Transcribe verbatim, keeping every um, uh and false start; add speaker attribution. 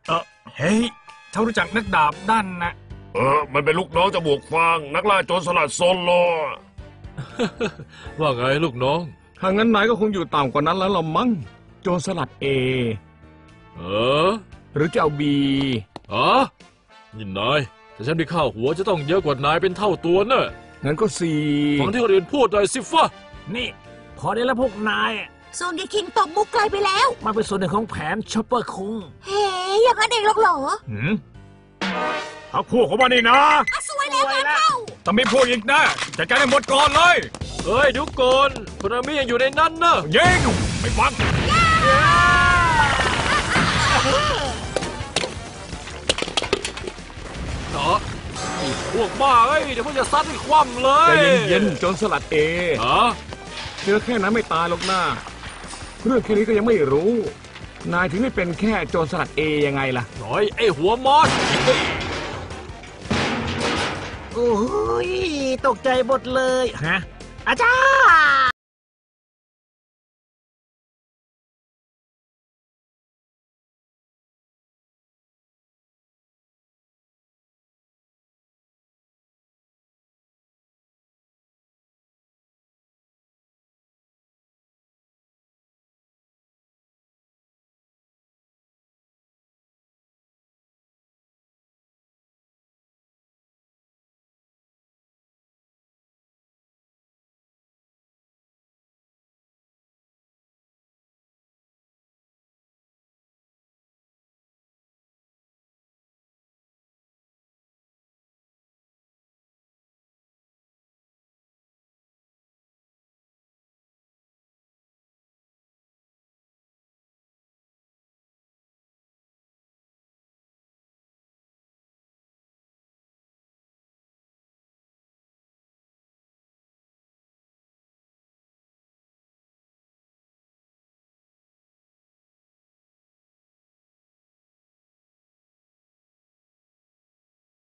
Speaker 1: เออเฮ้ยเขารู้จักนักดาบด้านนะ
Speaker 2: เออมันเป็นลูกน้องจมูกฟางนักล่าโจรสลัดโซโล
Speaker 3: ว่าไงลูกน้อง
Speaker 4: ถ้างั้นนายก็คงอยู่ต่ำกว่านั้นแล้วละมั้งโจรสลัดเอ
Speaker 3: เออ
Speaker 4: หรือจะเอาบี
Speaker 3: อ๋อนี่นายแต่ฉันมีข้าวหัวจะต้องเยอะกว่านายเป็นเท่าตัวเนอะ
Speaker 4: งั้นก็สี่
Speaker 3: ฟังที่คนอื่นพูดหน่อยสิฟ้า
Speaker 1: นี่พอได้แล้วพวกนายอะ
Speaker 5: โซนเกคิงตบมุกไกลไปแล้ว
Speaker 1: มันเป็นส่วนหนึ่งของแผนชอปเปอร์คุง
Speaker 5: เฮ้ยอย่างนั้นเองหรอกเหรอ
Speaker 1: หืมพักพวกเขามานี่นะ
Speaker 5: อ่ะสวยแล้วงานเข้า
Speaker 1: แต่ไม่พูดอีกนะจัดการให้หมดก่อนเลย
Speaker 3: เฮ้ยดูก่อนคุณอามิยังอยู่ในนั้นเนอะ
Speaker 1: ยิงไม่ฟัง
Speaker 3: เนาะไอ้พวกบ้าเอ้ยเดี๋ยวพวกจะซัดให้คว่ำเล
Speaker 4: ใจ
Speaker 3: ย
Speaker 4: เย็นๆโจรสลัดเอ
Speaker 3: ฮะ
Speaker 4: เจอแค่นั้นไม่ตายหรอกนะเรื่องแค่นี้ก็ยังไม่รู้ นายถึงได้เป็นแค่โจรสลัดเอยังไงล่ะ
Speaker 3: หน่อยไอ้หัวมอส
Speaker 1: โอ้ยตกใจหมดเลยฮะอาจารย์